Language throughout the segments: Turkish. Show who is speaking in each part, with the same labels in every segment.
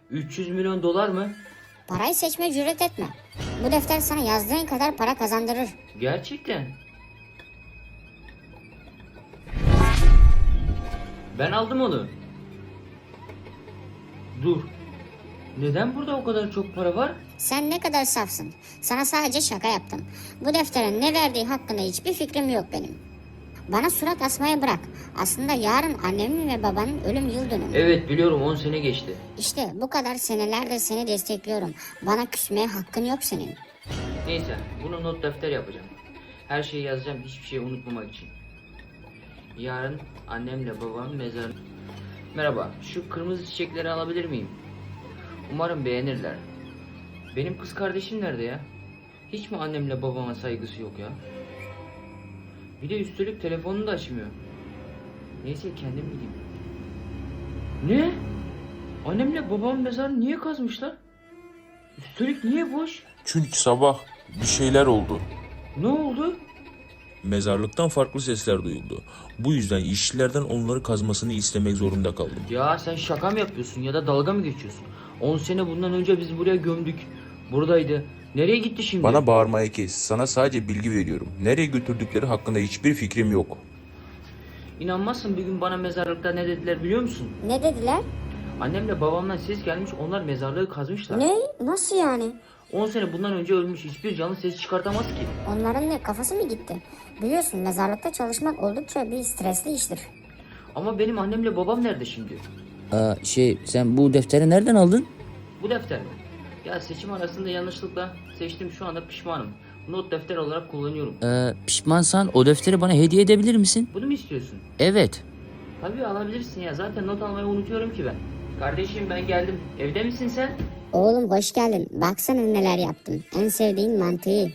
Speaker 1: 300 milyon dolar mı?
Speaker 2: Parayı seçmeye cüret etme. Bu defter sana yazdığın kadar para kazandırır.
Speaker 1: Gerçekten. Ben aldım onu. Dur. Neden burada o kadar çok para var?
Speaker 2: Sen ne kadar safsın. Sana sadece şaka yaptım. Bu defterin ne verdiği hakkında hiçbir fikrim yok benim. Bana surat asmayı bırak. Aslında yarın annemin ve babanın ölüm yıl dönümü.
Speaker 1: Evet biliyorum, 10 sene geçti.
Speaker 2: İşte bu kadar senelerdir seni destekliyorum. Bana küsmeye hakkın yok senin.
Speaker 1: Neyse, bunu not defter yapacağım. Her şeyi yazacağım, hiçbir şey unutmamak için. Yarın annemle babam mezar... Merhaba, şu kırmızı çiçekleri alabilir miyim? Umarım beğenirler. Benim kız kardeşim nerede ya? Hiç mi annemle babama saygısı yok ya? Bir de üstelik telefonunu da açmıyor. Neyse, kendim gideyim. Ne? Annemle babamın mezarını niye kazmışlar? Üstelik niye boş?
Speaker 3: Çünkü sabah bir şeyler oldu.
Speaker 1: Ne oldu?
Speaker 3: Mezarlıktan farklı sesler duyuldu. Bu yüzden işçilerden onları kazmasını istemek zorunda kaldım.
Speaker 1: Ya sen şaka mı yapıyorsun ya da dalga mı geçiyorsun? 10 sene bundan önce biz buraya gömdük. Buradaydı. Nereye gitti şimdi?
Speaker 3: Bana bağırmayı kes. Sana sadece bilgi veriyorum. Nereye götürdükleri hakkında hiçbir fikrim yok.
Speaker 1: İnanmazsın, bir gün bana mezarlıkta ne dediler biliyor musun?
Speaker 2: Ne dediler?
Speaker 1: Annemle babamdan ses gelmiş, onlar mezarlığı kazmışlar.
Speaker 2: Ne? Nasıl yani?
Speaker 1: 10 sene bundan önce ölmüş, hiçbir canlı ses çıkartamaz ki.
Speaker 2: Onların ne kafası mı gitti? Biliyorsun mezarlıkta çalışmak oldukça bir stresli iştir.
Speaker 1: Ama benim annemle babam nerede şimdi?
Speaker 4: Sen bu defteri nereden aldın?
Speaker 1: Bu defter mi? Ya seçim arasında yanlışlıkla seçtim, şu anda pişmanım. Not defter olarak kullanıyorum.
Speaker 4: Pişmansan o defteri bana hediye edebilir misin?
Speaker 1: Bunu mu istiyorsun?
Speaker 4: Evet.
Speaker 1: Tabii alabilirsin ya, zaten not almayı unutuyorum ki ben. Kardeşim ben geldim. Evde misin sen?
Speaker 2: Oğlum hoş geldin. Baksana neler yaptım. En sevdiğin mantıyı.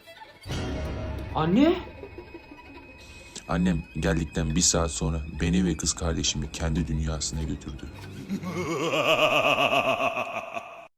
Speaker 1: Anne?
Speaker 3: Annem geldikten bir saat sonra beni ve kız kardeşimi kendi dünyasına götürdü.